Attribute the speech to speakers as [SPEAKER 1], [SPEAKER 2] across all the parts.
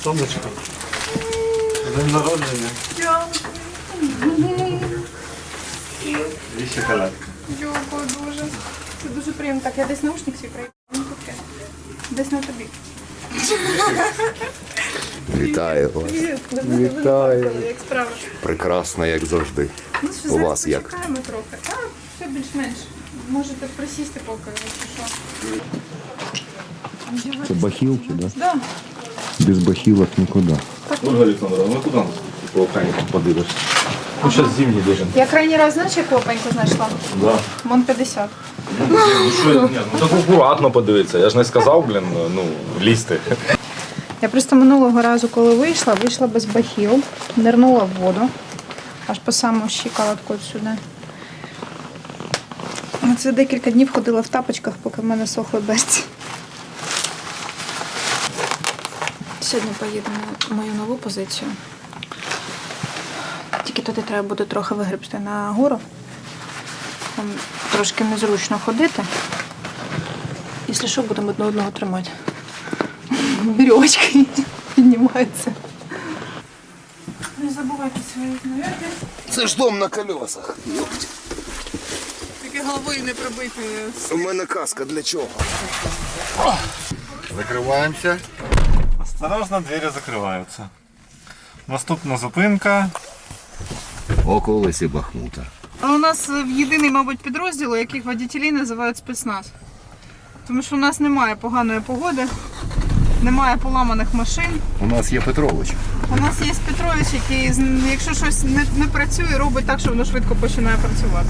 [SPEAKER 1] Сонечко. День народження. І шоколадка.
[SPEAKER 2] Дякую дуже. Це дуже приємно. Так, я десь наушник свій проїхала. Десь на тобі.
[SPEAKER 3] Вітаю вас.
[SPEAKER 2] Привіт.
[SPEAKER 3] Вітаю.
[SPEAKER 2] Як справа?
[SPEAKER 3] Прекрасно, як завжди.
[SPEAKER 2] Ну що,
[SPEAKER 3] У
[SPEAKER 2] зараз
[SPEAKER 3] вас як?
[SPEAKER 2] почекаємо трохи. Так, все більш-менш. Можете присісти поки, якщо що.
[SPEAKER 3] Це бахілки, да?
[SPEAKER 2] Да.
[SPEAKER 3] Без бахілок нікуди.
[SPEAKER 1] Ольга Олександровна, ну куди по охраннику подивишся? Ну, зараз зимній дуже.
[SPEAKER 2] Я крайній раз, знаєш, яку опеньку знайшла?
[SPEAKER 1] Да.
[SPEAKER 2] Вон 50.
[SPEAKER 1] Ну так акуратно подивитися. Я ж не сказав, лізти.
[SPEAKER 2] Я просто минулого разу, коли вийшла без бахіл, нирнула в воду, аж по саму щиколотку сюди. Це декілька днів ходила в тапочках, поки в мене сохли берці. Сьогодні поїдемо на мою нову позицію. Тільки туди треба буде трохи вигребти на гору. Там трошки незручно ходити. Якщо що, будемо одне одного тримати. Вірьовочки піднімаються. Не забувайте свої знаряддя.
[SPEAKER 3] Це ж дом на колесах.
[SPEAKER 2] Тільки головою не пробити.
[SPEAKER 3] У мене каска для чого?
[SPEAKER 1] Закриваємося. Осторожно, двері закриваються. Наступна зупинка.
[SPEAKER 3] Околиці Бахмута.
[SPEAKER 2] А у нас єдиний, мабуть, підрозділ, яких водітелі називають спецназ. Тому що у нас немає поганої погоди, немає поламаних машин.
[SPEAKER 3] У нас є Петрович.
[SPEAKER 2] У нас є Петрович, який, якщо щось не працює, робить так, що воно швидко починає працювати.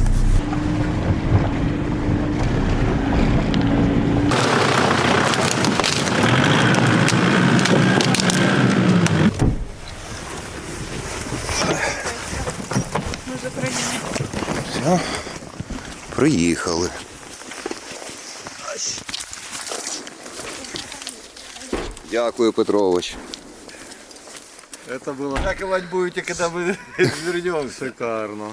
[SPEAKER 2] Ми вже приїхали.
[SPEAKER 3] Все. Приїхали. Дякую, Петрович.
[SPEAKER 1] Это было. Дякувати будете, когда мы вернемся. Шикарно.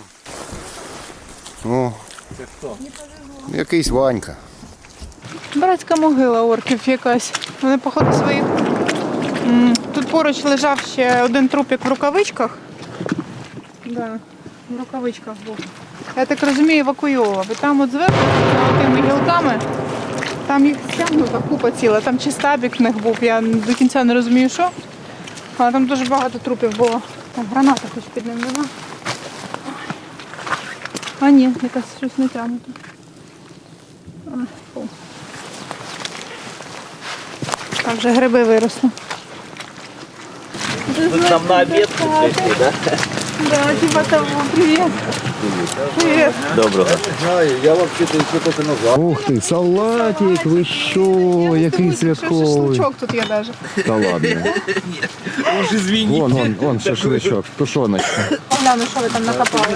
[SPEAKER 3] О,
[SPEAKER 1] Це хто?
[SPEAKER 3] якийсь Ванька.
[SPEAKER 2] Братська могила орків якась. Вони, походу, своїх. Тут поруч лежав ще один трупик в рукавичках. Да, в рукавичках був. Я так розумію, евакуйовував. І там от зверху, тими гілками, там їх стягнута купа ціла. Там чи стабік в них був, я до кінця не розумію, що. Але там дуже багато трупів було. Там граната хоч під ним нема. А ні, якась щось не тягнуто. Фу. Там вже гриби виросли.
[SPEAKER 4] Вы нам на обед пришли, да?
[SPEAKER 2] Да, типа того. Привет. Привет.
[SPEAKER 4] Доброго.
[SPEAKER 1] Я вообще-то еще только назад.
[SPEAKER 3] Ух ти, салатик, ви що, який святковий.
[SPEAKER 2] Шашлычок тут є даже.
[SPEAKER 3] Та ладно.
[SPEAKER 4] Уж извините.
[SPEAKER 3] Вон шашличок, тушоночка.
[SPEAKER 2] Гляну, що ви там накопали.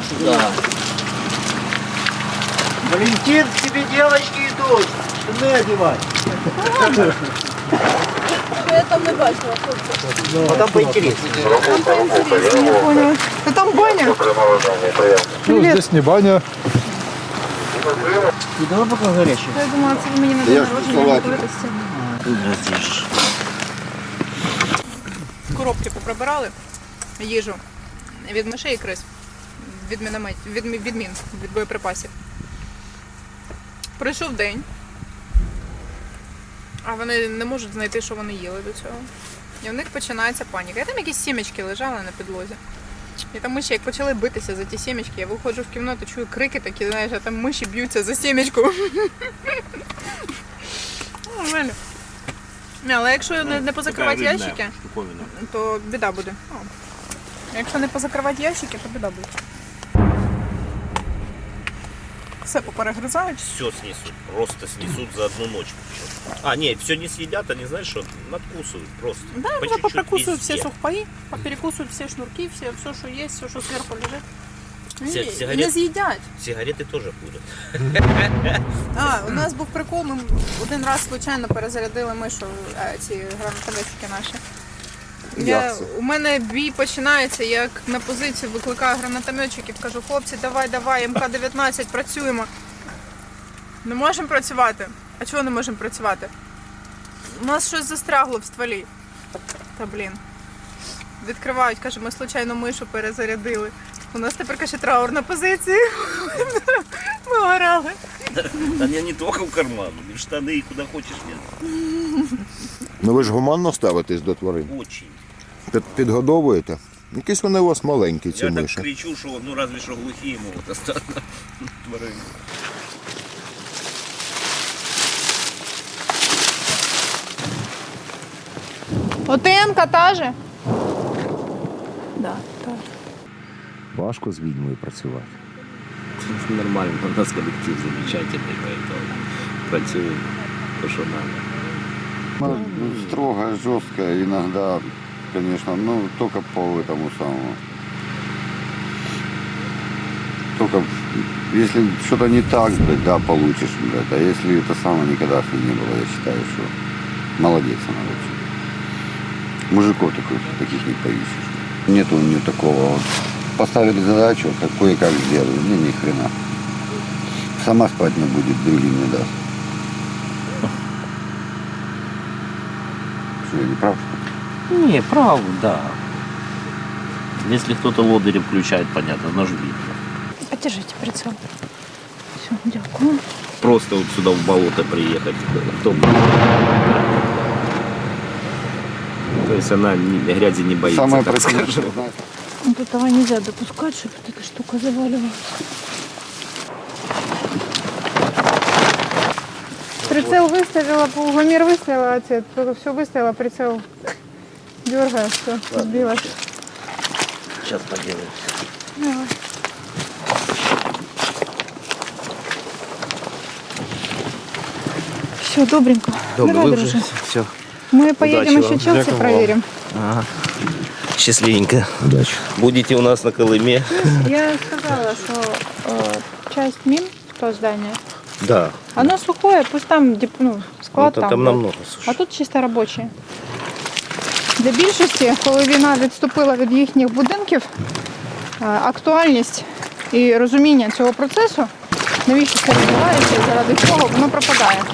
[SPEAKER 4] Валентин, к тебе девочки идут. Штаны одевать.
[SPEAKER 2] Я там не бачила.
[SPEAKER 4] Ну там поинтереснее.
[SPEAKER 2] Я поняла. Та там баня.
[SPEAKER 1] Ну, здесь не баня.
[SPEAKER 4] И давай пока горячий.
[SPEAKER 2] Я думала, це ви мені на день народження купили стіну. Коробки поприбирали, їжу від мишей і криз, від мін, від боєприпасів. Пройшов день, а вони не можуть знайти, що вони їли до цього. І в них починається паніка. І там якісь сімечки лежали на підлозі. І там миші, як почали битися за ті сімечки, я виходжу в кімнату, чую крики такі, знаєш, а там миші б'ються за сімечку. Нормально. Але якщо не позакривати ящики, то біда буде. Якщо не позакривати ящики, то біда буде. Все поперегризають.
[SPEAKER 5] Все снесут, просто снесут за одну ночь. А, нет, все не съедят, они, знаешь, что надкусывают просто.
[SPEAKER 2] Да,
[SPEAKER 5] по
[SPEAKER 2] уже
[SPEAKER 5] чуть-чуть
[SPEAKER 2] попрокусывают
[SPEAKER 5] везде.
[SPEAKER 2] все сухпаи, поперекусывают все шнурки, все, что есть, все, что сверху лежит.
[SPEAKER 5] Сигарет-
[SPEAKER 2] Не з'їдять.
[SPEAKER 5] Сигареты тоже будут.
[SPEAKER 2] У нас був прикол, ми один раз случайно перезарядили мишу, ці гранатометики наші. У мене бій починається, як на позицію викликаю гранатометчиків, кажу, хлопці, давай, МК-19, працюємо. Не можемо працювати. А чого не можемо працювати? У нас щось застрягло в стволі. Та блін. відкривають, каже, ми случайно мишу перезарядили. У нас тепер, каже, траурна позиція. Ми орали.
[SPEAKER 5] Да не только в карман, и в штаны, и куда хочешь нет.
[SPEAKER 1] Ну ви ж гуманно ставитесь до тварин.
[SPEAKER 5] Очень.
[SPEAKER 1] Підгодовуєте? Якісь вони у вас маленькі, ці
[SPEAKER 5] Я так
[SPEAKER 1] миші.
[SPEAKER 5] кричу, что ну разве что глухие могут остаться. Тварин.
[SPEAKER 2] Отенка та же? Да, та же.
[SPEAKER 3] Важко з відьмою працювати.
[SPEAKER 5] Нормально, у нас коллектив замечательный, поэтому працюем то, что надо.
[SPEAKER 6] Строго, жестко, иногда, конечно, ну, только по этому самому. Только если что-то не так, блядь, да, получишь, блядь, а если это самое никогда с ним не было, я считаю, что молодец она вообще. Мужиков таких не поищешь. Нету у нее такого вот. Поставили задачу, как кое-как сделали, не, ни хрена. Сама спать не будет, другим не даст. Что, я не прав, что ли?
[SPEAKER 5] Не, правда, да. Если кто-то лодыри включает, понятно, нож видно.
[SPEAKER 2] Подержите прицел. Все, дякую.
[SPEAKER 5] Просто вот сюда в болото приехать, кто бы. То есть она грязи не боится,
[SPEAKER 6] Самое
[SPEAKER 5] так
[SPEAKER 6] противное,
[SPEAKER 5] скажем.
[SPEAKER 6] знаешь,
[SPEAKER 2] Вот этого нельзя допускать, чтобы вот эта штука заваливалась. Прицел выставила, полгомер выставила, отец, все выставила, прицел дергает, все, сбилась.
[SPEAKER 5] Сейчас поделаем.
[SPEAKER 2] Давай. Все, добренько. Давай, друже.
[SPEAKER 5] Все.
[SPEAKER 2] Мы поедем
[SPEAKER 5] Удачи
[SPEAKER 2] еще
[SPEAKER 5] вам.
[SPEAKER 2] Челси проверим.
[SPEAKER 5] Ага. Счастливенько.
[SPEAKER 3] Удачі.
[SPEAKER 5] Будете у нас на Колыме?
[SPEAKER 2] Я сказала, что часть мин, то здание,
[SPEAKER 5] Да.
[SPEAKER 2] оно сухое, пусть там ну, склад
[SPEAKER 5] Ну, там
[SPEAKER 2] будет.
[SPEAKER 5] намного суше.
[SPEAKER 2] А тут чисто робоче. Для більшості, коли війна відступила від їхніх будинків, актуальність і розуміння цього процесу, навіщо це відбувається і заради чого, воно пропадає.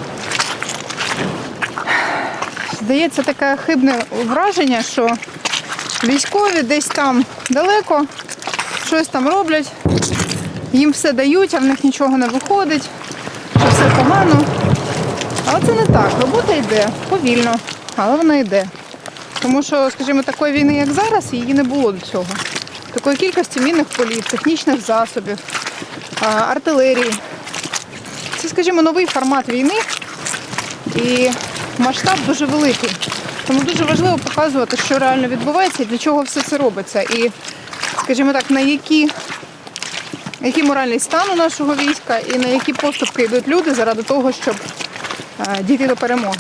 [SPEAKER 2] Здається таке хибне враження, що військові десь там далеко, щось там роблять, їм все дають, а в них нічого не виходить, що все погано. Але це не так. Робота йде повільно, але вона йде. Тому що, скажімо, такої війни, як зараз, її не було до цього. Такої кількості мінних полів, технічних засобів, артилерії. Це, скажімо, новий формат війни і масштаб дуже великий. Тому дуже важливо показувати, що реально відбувається і для чого все це робиться. І, скажімо так, на який моральний стан у нашого війська і на які поступки йдуть люди заради того, щоб дійти до перемоги.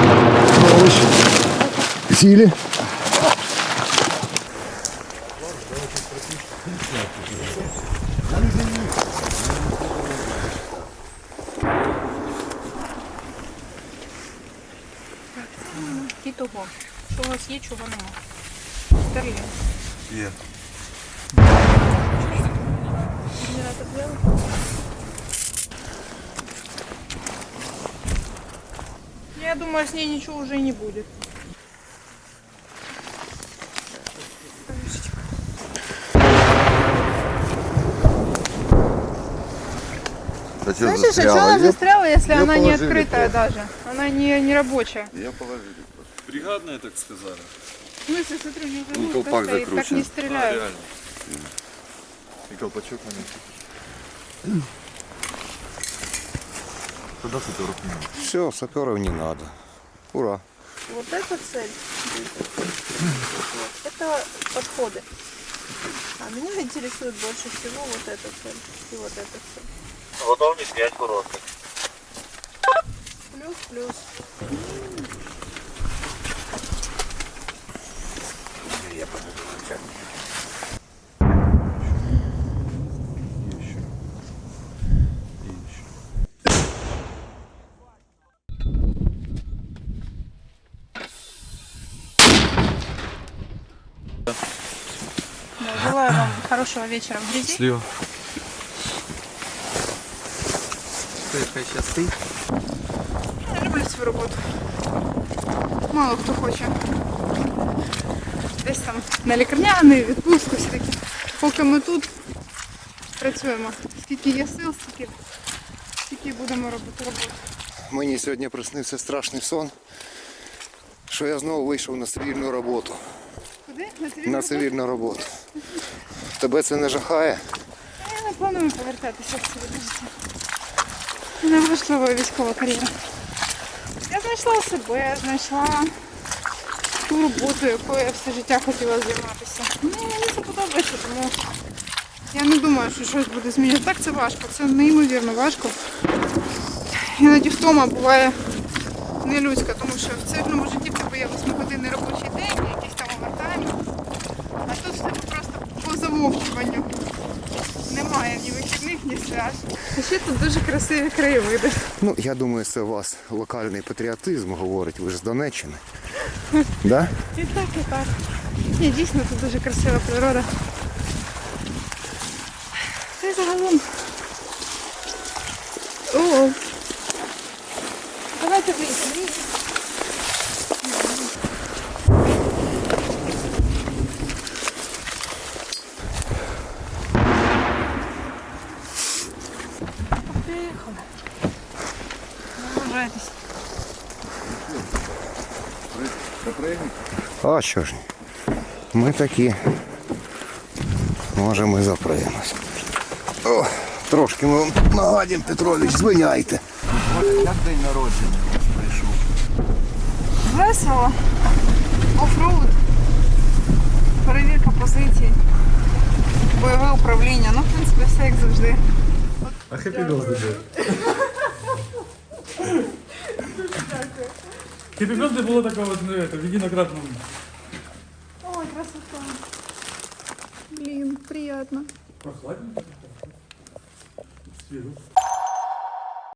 [SPEAKER 3] Сілі.
[SPEAKER 2] І того, що у вас є, чого нема. Стерлінг.
[SPEAKER 1] Є.
[SPEAKER 2] Генератор взяли? Я думаю, с ней ничего уже и не будет.
[SPEAKER 1] Зачем
[SPEAKER 2] Знаешь, что она застряла, если
[SPEAKER 1] Её
[SPEAKER 2] она не
[SPEAKER 1] положили
[SPEAKER 2] открытая
[SPEAKER 1] просто.
[SPEAKER 2] даже? Она не рабочая.
[SPEAKER 1] Я положили просто.
[SPEAKER 7] Бригадные, так сказали.
[SPEAKER 2] В смысле, смотрю, не
[SPEAKER 1] Ну,
[SPEAKER 2] живут,
[SPEAKER 1] колпак
[SPEAKER 2] стоит, так
[SPEAKER 1] закручен.
[SPEAKER 2] не стреляют.
[SPEAKER 7] Реально.
[SPEAKER 1] И колпачок маленький. Куда саперов не надо?
[SPEAKER 6] все, саперов не надо. Ура.
[SPEAKER 2] Вот эта цель. Вот. Это подходы. А меня интересует больше всего вот эта цель и вот эта цель.
[SPEAKER 5] Готовность 5 коротких.
[SPEAKER 2] Плюс. Да, желаю вам хорошего вечера в грязи.
[SPEAKER 7] Слева.
[SPEAKER 2] Я люблю свою роботу. Мало хто хоче. десь там на лікарняний, відпустку, все таки. Поки ми тут працюємо. Скільки є сил, стільки будемо робити роботу.
[SPEAKER 7] Мені сьогодні приснився страшний сон, що я знову вийшов на цивільну роботу.
[SPEAKER 2] Куди?
[SPEAKER 7] На цивільну роботу. Тебе це не жахає?
[SPEAKER 2] Я не планую повертатися в цивільне життя. Не влаштовує військова кар'єра. Я знайшла себе, знайшла ту роботу, якою я все життя хотіла займатися. Ну, мені це подобається, тому я не думаю, що щось буде змінювати. Так, це важко, це неймовірно важко. Іноді втома буває нелюдська, тому що в цивільному житті в тебе є 8-годинний робочий день, якийсь там овертайм. А тут в тебе просто по замовчуванню немає ні вихідних, ні свят. А ще тут дуже красиві краєвиди.
[SPEAKER 7] Ну, я думаю, це у вас локальний патріотизм говорить, ви ж з Донеччини. Да?
[SPEAKER 2] І так, і так. Ні, дійсно, тут дуже красива природа. Та й загалом. О, давайте вийдемо. Поїхали. Не вважайтесь.
[SPEAKER 7] А що ж, ми такі. Може, ми запремось. О, трошки ми вам нагадім, Петрович, звиняйте.
[SPEAKER 1] Як день народження прийшов?
[SPEAKER 2] Весело. Офроуд. Перевірка позицій. Бойове управління. Ну, в принципі, все як завжди.
[SPEAKER 1] А хеппі birthday.
[SPEAKER 8] Хеппі Бёрдэй було такого вот, ну, это, в единократном.
[SPEAKER 2] Ой, красота. Блин, приятно.
[SPEAKER 8] Прохладненько. Свежо.